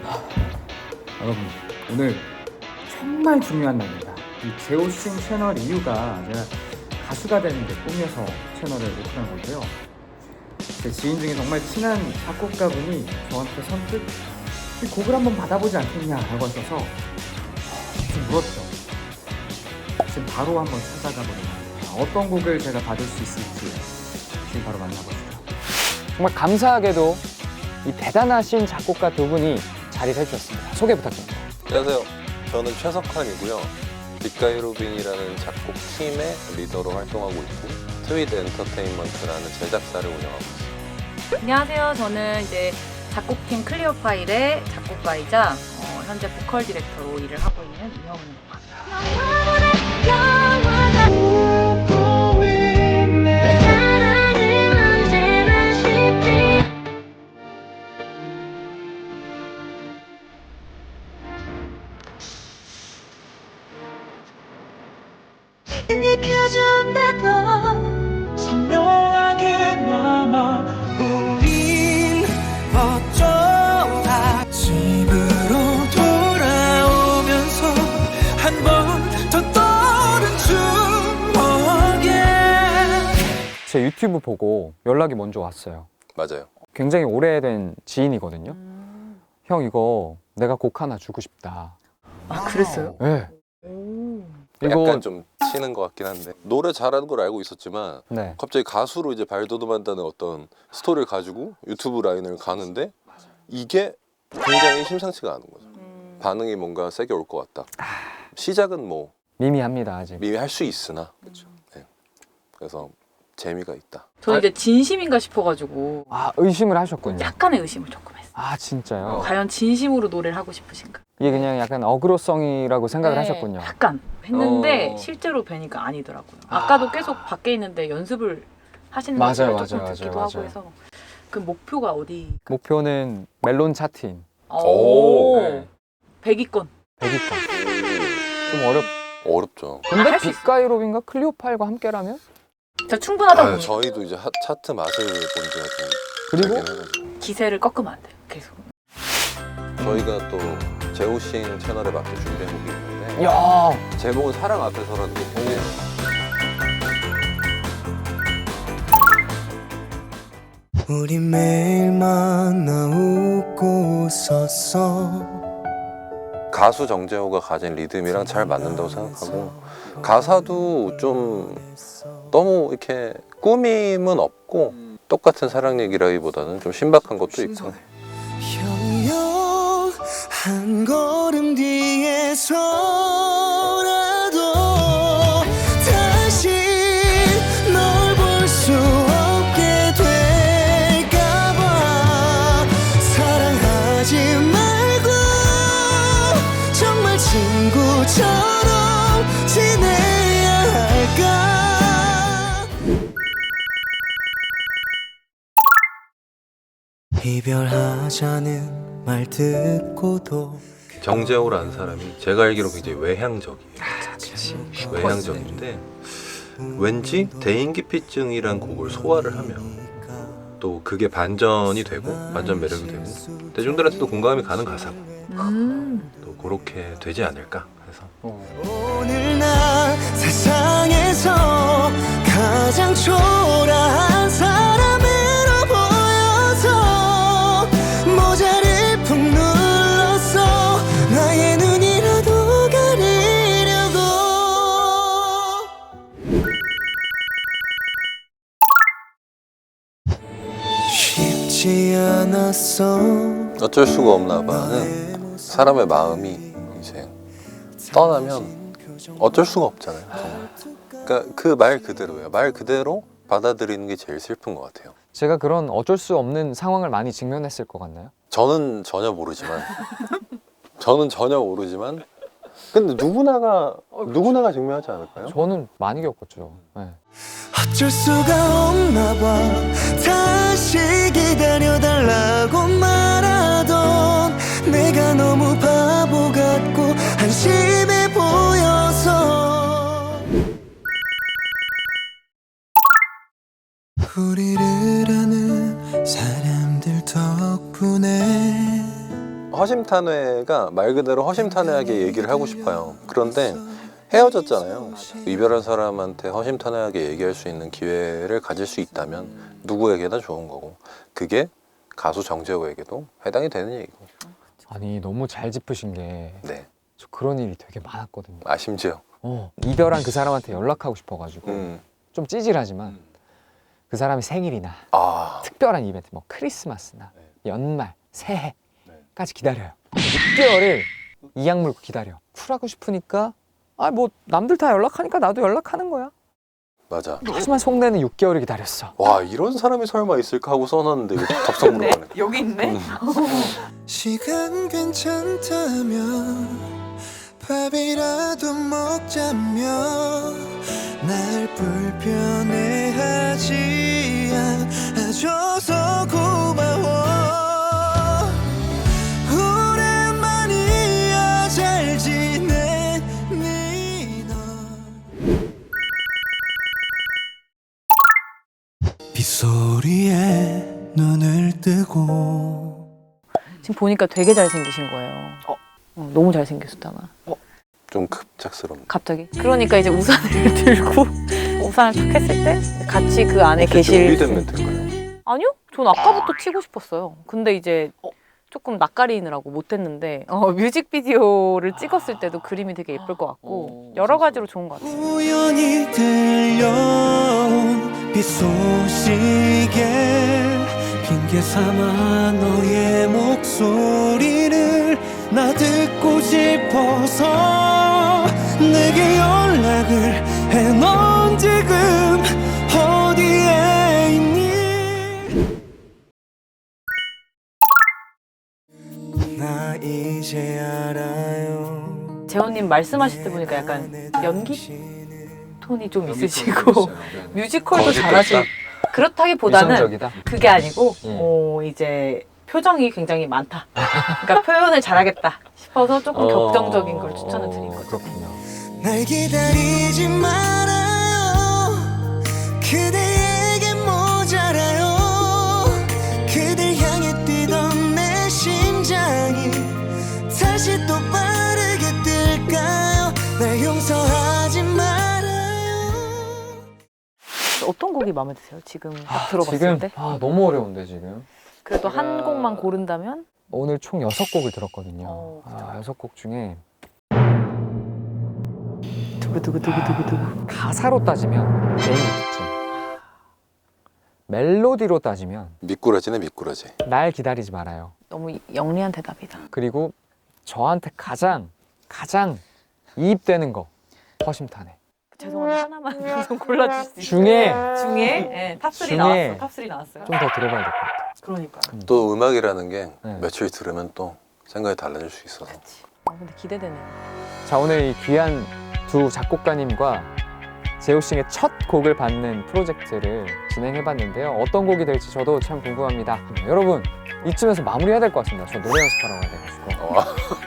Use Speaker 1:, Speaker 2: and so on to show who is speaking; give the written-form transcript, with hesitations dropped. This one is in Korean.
Speaker 1: 여러분, 오늘 정말 중요한 날입니다. 이 제오싱 채널 이유가 제가 가수가 되는 게 꿈이어서 채널을 오픈한 건데요. 제 지인 중에 정말 친한 작곡가분이 저한테 선뜻 이 곡을 한번 받아보지 않겠냐라고 하셔서 좀 물었죠. 지금 바로 한번 찾아가 보려고 합니다. 어떤 곡을 제가 받을 수 있을지 지금 바로 만나보시죠.
Speaker 2: 정말 감사하게도 이 대단하신 작곡가 두 분이 자리를 해주셨습니다. 소개 부탁드립니다.
Speaker 3: 안녕하세요. 저는 최석환이고요. 빅가이 로빈이라는 작곡 팀의 리더로 활동하고 있고 트윗 엔터테인먼트라는 제작사를 운영하고 있습니다.
Speaker 4: 안녕하세요. 저는 이제 작곡팀 클리어 파일의 작곡가이자 현재 보컬 디렉터로 일을 하고 있는 이형훈입니다.
Speaker 5: 익혀준다고 선명하게 남아 우린 어쩌다 집으로 돌아오면서 한 번 더 떠오른 추억에
Speaker 2: 제 유튜브 보고 연락이 먼저 왔어요.
Speaker 3: 맞아요.
Speaker 2: 굉장히 오래된 지인이거든요. 형 이거 내가 곡 하나 주고 싶다.
Speaker 4: 아, 그랬어요?
Speaker 2: 네.
Speaker 3: 약간 좀 치는 것 같긴 한데 노래 잘하는 걸 알고 있었지만
Speaker 2: 네.
Speaker 3: 갑자기 가수로 이제 발돋움한다는 어떤 스토리를 가지고 유튜브 라인을 가는데 이게 굉장히 심상치가 않은 거죠. 반응이 뭔가 세게 올 것 같다. 시작은 뭐
Speaker 2: 미미합니다 아직.
Speaker 3: 미미할 수 있으나 네. 그래서 재미가 있다.
Speaker 4: 저는 이제 진심인가 싶어가지고
Speaker 2: 아 의심을 하셨군요.
Speaker 4: 약간의 의심을 조금 했어요.
Speaker 2: 아 진짜요?
Speaker 4: 과연 진심으로 노래를 하고 싶으신가?
Speaker 2: 이게 그냥 약간 어그로성이라고 생각을
Speaker 4: 네,
Speaker 2: 하셨군요.
Speaker 4: 약간 했는데
Speaker 3: 어.
Speaker 4: 실제로 뵈니까 아니더라고요. 아까도 계속 밖에 있는데 연습을 하시는
Speaker 2: 맞아요,
Speaker 4: 모습을 조금
Speaker 2: 맞아요,
Speaker 4: 듣기도
Speaker 2: 맞아요,
Speaker 4: 하고
Speaker 2: 맞아요.
Speaker 4: 해서 그 목표가 어디?
Speaker 2: 목표는 멜론 차트인
Speaker 4: 오,
Speaker 2: 네.
Speaker 4: 100위권.
Speaker 2: 100위권. 좀
Speaker 3: 어렵죠.
Speaker 2: 근데
Speaker 4: 할 수 있어요.
Speaker 2: 빅가이 로빈과 클리오파일과 함께라면
Speaker 4: 저 충분하다고
Speaker 3: 아,
Speaker 4: 봅니다.
Speaker 3: 저희도 이제 차트 맛을 본 지가 좀
Speaker 2: 그리고
Speaker 3: 되긴 해가지고.
Speaker 4: 기세를 꺾으면 안 돼요. 계속.
Speaker 3: 저희가 또 제오싱 채널에 맞게 준비한 곡이 있는데
Speaker 2: 야
Speaker 3: 제목은 사랑 앞에서라는 곡인데요.
Speaker 5: 우리 매일 만나 웃고 웃었어
Speaker 3: 가수 정재호가 가진 리듬이랑 잘 맞는다고 생각하고 가사도 좀 너무 이렇게 꾸밈은 없고 똑같은 사랑 얘기라기보다는 좀 신박한 것도 있고
Speaker 5: 형용 한 걸음 뒤에서라도 다시 널 볼 수 없게 될까봐 사랑하지 말고 정말 친구처럼 지내야 할까 이별하자는 말 듣고도
Speaker 3: 정재호라는 사람이 제가 알기로 굉장히 외향적이에요. 외향적인데 왠지 대인기피증이란 곡을 소화를 하면 또 그게 반전이 되고 반전 매력이 되고 대중들한테도 공감이 가는 가사고 또 그렇게 되지 않을까 해서
Speaker 5: 오늘 나 세상에서 가장 초라한 사람으로 보여서 모자를 푹 눌렀어 나의 눈이라도 가리려고 쉽지 않았어
Speaker 3: 어쩔 수가 없나 봐는 사람의 마음이 이제 떠나면 어쩔 수가 없잖아요. 정말. 그러니까 그 말 그대로예요. 말 그대로 받아들이는 게 제일 슬픈 것 같아요.
Speaker 2: 제가 그런 어쩔 수 없는 상황을 많이 직면했을 것 같나요?
Speaker 3: 저는 전혀 모르지만 근데 누구나가 증명하지 않을까요?
Speaker 2: 저는 많이 겪었죠. 네.
Speaker 5: 어쩔 수가 없나 봐 다시 기다려달라고 말하던 내가 너무 바보 같고 한심해 보여서 우리를 아는 사람들 덕분에
Speaker 3: 허심탄회가 말 그대로 허심탄회하게 얘기를 하고 싶어요. 그런데 헤어졌잖아요. 이별한 사람한테 허심탄회하게 얘기할 수 있는 기회를 가질 수 있다면 누구에게나 좋은 거고, 그게 가수 정재호에게도 해당이 되는 얘기고.
Speaker 2: 아니 너무 잘 짚으신 게
Speaker 3: 네.
Speaker 2: 저 그런 일이 되게 많았거든요.
Speaker 3: 심지어.
Speaker 2: 이별한 그 사람한테 연락하고 싶어가지고 좀 찌질하지만 그 사람의 생일이나 특별한 이벤트, 뭐 크리스마스나 연말, 새해까지 기다려요. 6개월을 이악 물고 기다려. 쿨하고 싶으니까 뭐 남들 다 연락하니까 나도 연락하는 거야.
Speaker 3: 맞아.
Speaker 2: 하지만 속내는 6개월을 기다렸어.
Speaker 3: 와, 이런 사람이 설마 있을까 하고 써놨는데 이거 덥석 물어가네.
Speaker 4: 여기 있네.
Speaker 5: 시간 괜찮다면 밥이라도 먹자며 날 불편해하지 않아줘서 고마워. 오랜만이야 잘 지내니 너. 빗소리에 눈을 뜨고
Speaker 4: 지금 보니까 되게 잘생기신 거예요. 너무 잘생겼었잖아.
Speaker 3: 좀 급작스럽네.
Speaker 4: 갑자기. 그러니까 이제 우산을 들고 우산을 탁 했을 때 같이 그 안에 계실.
Speaker 3: 준비된 멘트인가요?
Speaker 4: 아니요? 전 아까부터 치고 싶었어요. 근데 이제 조금 낯가리느라고 못했는데 뮤직비디오를 찍었을 때도 그림이 되게 예쁠 것 같고 여러 가지로 좋은 것 같아요.
Speaker 5: 우연히 들려온 빗소식에 핑계 삼아 너의 목소리를 나 듣고 싶어서 내게 연락을 해. 넌 지금 어디에 있니? 나 이제 알아요.
Speaker 4: 재원님 말씀하실 때 보니까 약간 연기 톤이 좀 있으시고 뮤지컬도 잘하시고 그렇다기보다는
Speaker 2: 이성적이다.
Speaker 4: 그게 아니고 이제 표정이 굉장히 많다. 그러니까 표현을 잘하겠다 싶어서 조금 격정적인 걸 추천을 드린 거죠.
Speaker 2: 그렇군요.
Speaker 5: 날 기다리지 말아요. 그대에게 모자라요. 그댈 향해 뛰던 내 심장이 다시 또 빠르게 뛸까요? 날 용서하지 말아요.
Speaker 4: 어떤 곡이 마음에 드세요? 지금 딱 들어봤을
Speaker 2: 지금
Speaker 4: 때?
Speaker 2: 너무 어려운데 지금.
Speaker 4: 그래도 한 곡만 고른다면?
Speaker 2: 오늘 총 6곡을 들었거든요.
Speaker 4: 그쵸.
Speaker 2: 6곡 중에
Speaker 4: 두구두구두구두구두구.
Speaker 2: 가사로 따지면 개인 특징, 멜로디로 따지면
Speaker 3: 미꾸라지네, 미꾸라지.
Speaker 2: 날 기다리지 말아요.
Speaker 4: 너무 영리한 대답이다.
Speaker 2: 그리고 저한테 가장 이입되는 거 허심탄회.
Speaker 4: 죄송한데 하나만 좀 골라주실 수 있어요?
Speaker 2: 중에
Speaker 4: 네, 탑3
Speaker 2: 중에
Speaker 4: 나왔어. 탑3 나왔어요.
Speaker 2: 좀 더 들어봐야 될 것 같아요.
Speaker 4: 그러니까요.
Speaker 3: 또 음악이라는 게
Speaker 2: 네.
Speaker 3: 며칠 들으면 또 생각이 달라질 수 있어서.
Speaker 4: 근데 기대되네요.
Speaker 2: 자, 오늘 이 귀한 두 작곡가님과 제오싱의 첫 곡을 받는 프로젝트를 진행해봤는데요. 어떤 곡이 될지 저도 참 궁금합니다. 여러분, 이쯤에서 마무리해야 될 것 같습니다. 저 노래 연습하러 가야 돼가지고.